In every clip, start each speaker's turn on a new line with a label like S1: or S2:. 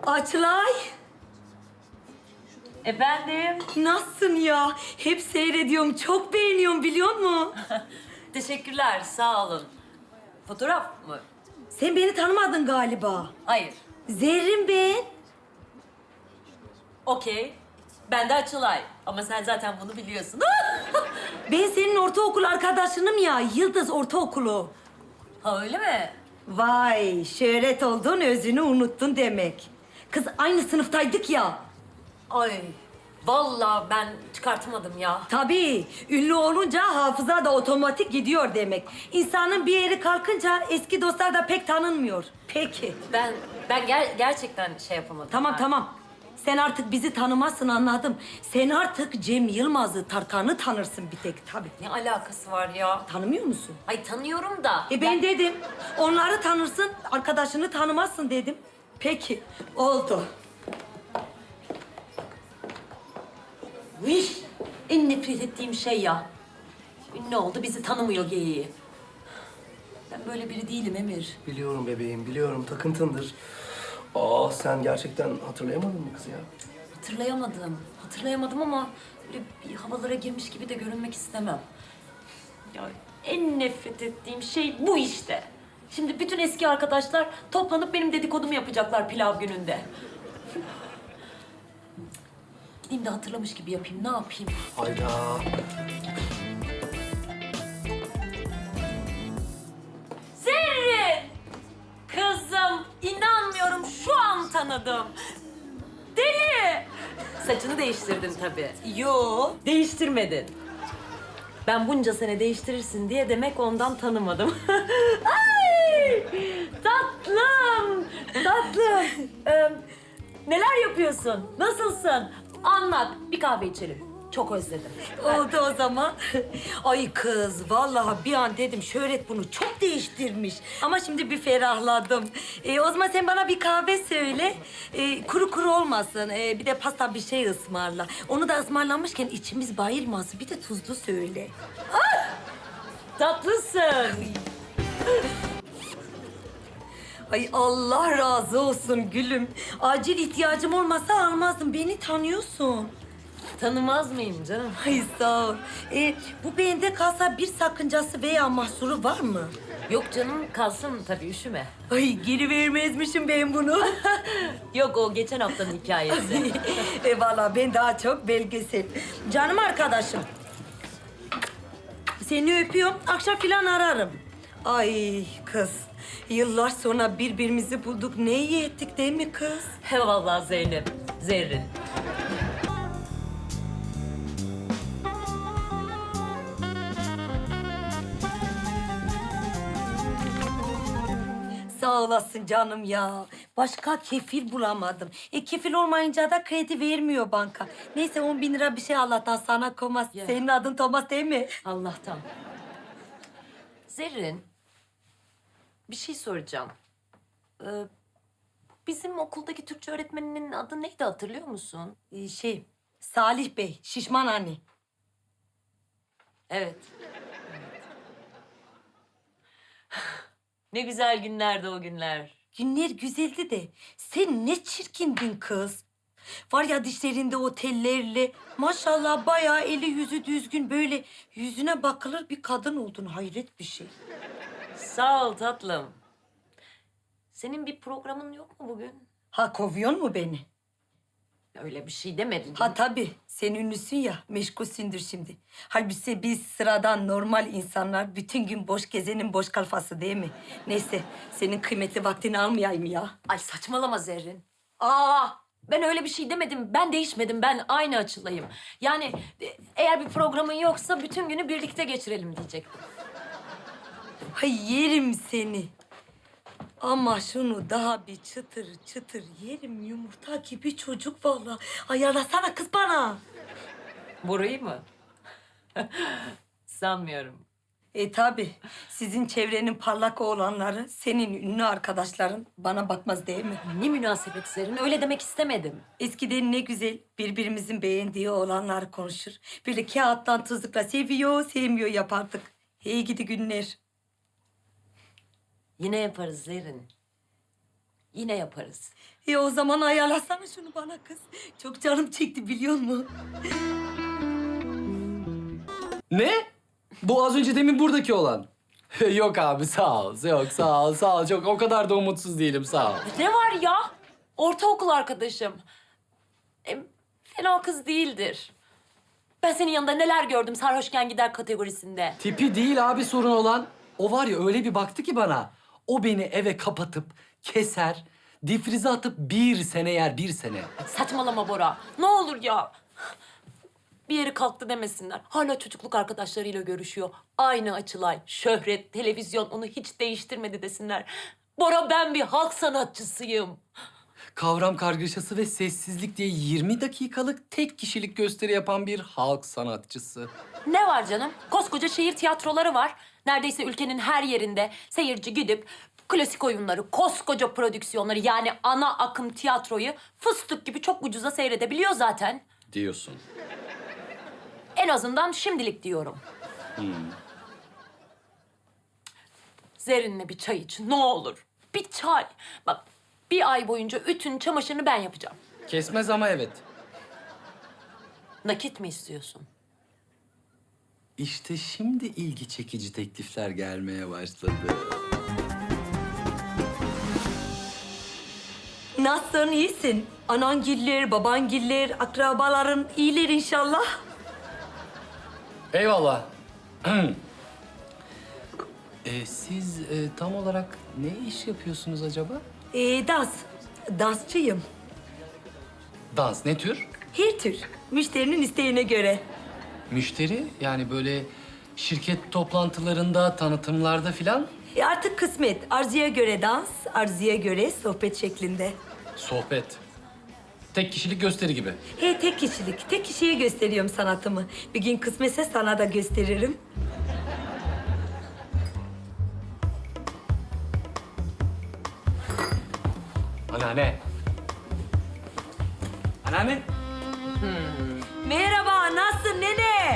S1: Açılay,
S2: Efendim?
S1: nasılsın ya? Hep seyrediyorum, çok beğeniyorum biliyor musun?
S2: Teşekkürler, sağ olun. Fotoğraf mı?
S1: Sen beni tanımadın galiba.
S2: Hayır.
S1: Zerrin ben.
S2: Okey. Ben de Açılay. Ama sen zaten bunu biliyorsun.
S1: Ben senin ortaokul arkadaşınım ya, Yıldız Ortaokulu.
S2: Ha öyle mi?
S1: Vay, şöhret oldun, özünü unuttun demek. Kız aynı sınıftaydık ya.
S2: Ay, vallahi ben çıkartmadım ya.
S1: Tabii, ünlü olunca hafıza da otomatik gidiyor demek. İnsanın bir yeri kalkınca eski dostlar da pek tanınmıyor. Peki.
S2: Ben gerçekten şey yapamadım.
S1: Tamam
S2: yani.
S1: tamam. Sen artık bizi tanımazsın anladım. Sen artık Cem Yılmaz'ı, Tarkan'ı tanırsın bir tek tabii.
S2: Ne alakası var ya?
S1: Tanımıyor musun?
S2: Ay tanıyorum da.
S1: Ben dedim. Onları tanırsın, arkadaşını tanımazsın dedim. Peki, oldu.
S2: Viş! En nefret ettiğim şey ya. Ünlü oldu, bizi tanımıyor geyiği. Ben böyle biri değilim Emir.
S3: Biliyorum bebeğim, biliyorum. Takıntındır. Aa, sen gerçekten hatırlayamadın mı kızı ya?
S2: Hatırlayamadım ama böyle bir havalara girmiş gibi de görünmek istemem. Ya en nefret ettiğim şey bu işte. Şimdi bütün eski arkadaşlar toplanıp benim dedikodumu yapacaklar pilav gününde. Gideyim de hatırlamış gibi yapayım, ne yapayım?
S3: Hayda.
S2: Zerrin! Kızım, inanmıyorum şu an tanıdım. Deli! Saçını değiştirdin tabii.
S1: Yo.
S2: Değiştirmedin. Ben bunca sene değiştirirsin diye demek ondan tanımadım. Ay! Tatlım! Tatlım! Neler yapıyorsun? Nasılsın? Anlat. Bir kahve içelim. Çok özledim.
S1: Oldu o zaman. Ay kız, vallahi bir an dedim şöhret bunu çok değiştirmiş. Ama şimdi bir ferahladım. O zaman sen bana bir kahve söyle. Kuru kuru olmasın. Bir de pasta bir şey ısmarla. Onu da ısmarlamışken içimiz bayılmasın. Bir de tuzlu söyle.
S2: Tatlısın.
S1: Ay Allah razı olsun gülüm. Acil ihtiyacım olmasa almazdım. Beni tanıyorsun.
S2: Tanımaz mıyım canım?
S1: Ay sağ ol. Bu bende kalsa bir sakıncası veya mahsuru var mı?
S2: Yok canım, kalsın tabii, üşüme.
S1: Ay geri vermezmişim ben bunu.
S2: Yok, o geçen haftanın hikayesi.
S1: Vallahi ben daha çok belgesel. Canım arkadaşım. Seni öpüyorum. Akşam filan ararım. Ay kız. Yıllar sonra birbirimizi bulduk. Ne iyi ettik değil mi kız?
S2: He vallahi Zeynep, Zerrin.
S1: Sağ olasın canım ya. Başka kefil bulamadım. Kefil olmayınca da kredi vermiyor banka. Neyse 10.000 lira bir şey Allah'tan sana koymaz.
S2: Ya.
S1: Senin adın Thomas değil mi?
S2: Allah'tan. Zerrin, bir şey soracağım. Bizim okuldaki Türkçe öğretmeninin adı neydi, hatırlıyor musun?
S1: Salih Bey, şişman anne.
S2: Evet. Ne güzel günlerdi o günler.
S1: Günler güzeldi de sen ne çirkindin kız. Var ya dişlerinde o tellerle maşallah bayağı eli yüzü düzgün böyle yüzüne bakılır bir kadın oldun. Hayret bir şey.
S2: Sağ ol tatlım. Senin bir programın yok mu bugün?
S1: Ha kovuyor mu beni?
S2: Öyle bir şey demedin.
S1: Ha tabii sen ünlüsün ya meşgulsündür şimdi. Halbuki biz sıradan normal insanlar bütün gün boş gezenin boş kalfası değil mi? Neyse senin kıymetli vaktini almayayım ya.
S2: Ay saçmalama Zerrin. Aa, ben öyle bir şey demedim. Ben değişmedim. Ben aynı Açılay'ım. Yani eğer bir programın yoksa bütün günü birlikte geçirelim diyecektim.
S1: Hay yerim seni. Ama şunu daha bir çıtır çıtır yerim yumurta gibi çocuk vallahi. Ayarlasana kız bana.
S2: Burayı mı? Sanmıyorum.
S1: Tabii sizin çevrenin parlak oğlanları, senin ünlü arkadaşların bana bakmaz değil mi?
S2: Ne münasebet Zerrin. Öyle demek istemedim.
S1: Eskiden ne güzel birbirimizin beğendiği oğlanlar konuşur. Böyle kağıttan tuzlukla seviyor, sevmiyor yapardık. Hey gidi günler.
S2: Yine yaparız Zerrin. Yine yaparız.
S1: O zaman ayarlasana şunu bana kız. Çok canım çekti biliyor musun?
S4: Ne? Bu az önce demin buradaki olan. Yok abi sağ ol. Yok sağ ol sağ ol. Çok o kadar da umutsuz değilim sağ ol.
S2: Ne var ya? Ortaokul arkadaşım. Fena kız değildir. Ben senin yanında neler gördüm sarhoşken gider kategorisinde.
S4: Tipi değil abi sorun olan. O var ya öyle bir baktı ki bana. O beni eve kapatıp keser, difrize atıp 1 sene yer 1 sene.
S2: Saçmalama Bora. Ne olur ya. Bir yeri kalktı demesinler. Hala çocukluk arkadaşlarıyla görüşüyor. Aynı açılay, şöhret, televizyon onu hiç değiştirmedi desinler. Bora ben bir halk sanatçısıyım.
S4: Kavram kargaşası ve sessizlik diye 20 dakikalık tek kişilik gösteri yapan bir halk sanatçısı.
S2: Ne var canım? Koskoca şehir tiyatroları var. Neredeyse ülkenin her yerinde seyirci gidip klasik oyunları, koskoca prodüksiyonları yani ana akım tiyatroyu fıstık gibi çok ucuza seyredebiliyor zaten.
S4: Diyorsun.
S2: En azından şimdilik diyorum. Zerrin'le bir çay iç ne olur. Bir çay. Bak bir ay boyunca ütün çamaşırını ben yapacağım.
S4: Kesmez ama evet.
S2: Nakit mi istiyorsun?
S4: İşte şimdi ilgi çekici teklifler gelmeye başladı.
S1: Nasılsın, iyisin? Anangiller, babangiller, akrabaların iyiler inşallah.
S4: Eyvallah. Siz tam olarak ne iş yapıyorsunuz acaba?
S1: Dansçıyım.
S4: Dans ne tür?
S1: Her tür, müşterinin isteğine göre.
S4: Müşteri yani böyle şirket toplantılarında, tanıtımlarda filan
S1: Artık kısmet. Arzuya göre dans, arzuya göre sohbet şeklinde.
S4: sohbet. Tek kişilik gösteri gibi.
S1: Tek kişilik. Tek kişiye gösteriyorum sanatımı. Bir gün kısmetse sana da gösteririm.
S4: Anneanne. Anneanne.
S1: Merhaba, nasılsın nene?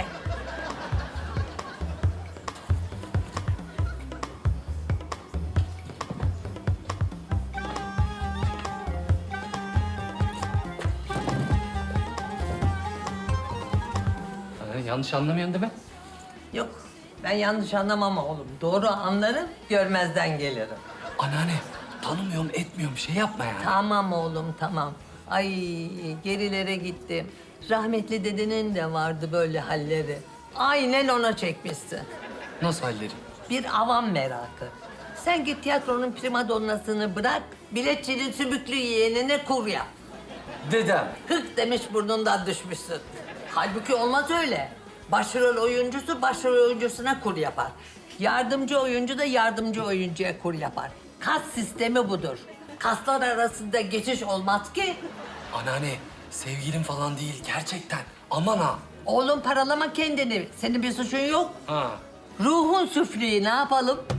S4: Anneanne yanlış anlamıyorsun değil mi?
S5: Yok, ben yanlış anlamam oğlum. Doğru anlarım, görmezden gelirim.
S4: Anneanne tanımıyorum etmiyorum şey yapma yani.
S5: Tamam oğlum, tamam. Ay, gerilere gittim. Rahmetli dedenin de vardı böyle halleri. Aynen ona çekmişsin.
S4: Nasıl halleri?
S5: Bir avam merakı. Sen git tiyatronun primadonnasını bırak, biletçinin sümüklü yeğenine kur yap.
S4: Dedem.
S5: Hık demiş burnundan düşmüşsün. Halbuki olmaz öyle. Başrol oyuncusu başrol oyuncusuna kur yapar. Yardımcı oyuncu da yardımcı oyuncuya kur yapar. Kas sistemi budur. Kaslar arasında geçiş olmaz ki.
S4: Anneanne sevgilim falan değil gerçekten. Aman ha.
S5: Oğlum paralama kendini. Senin bir suçun yok.
S4: Ha.
S5: Ruhun süflüğü ne yapalım?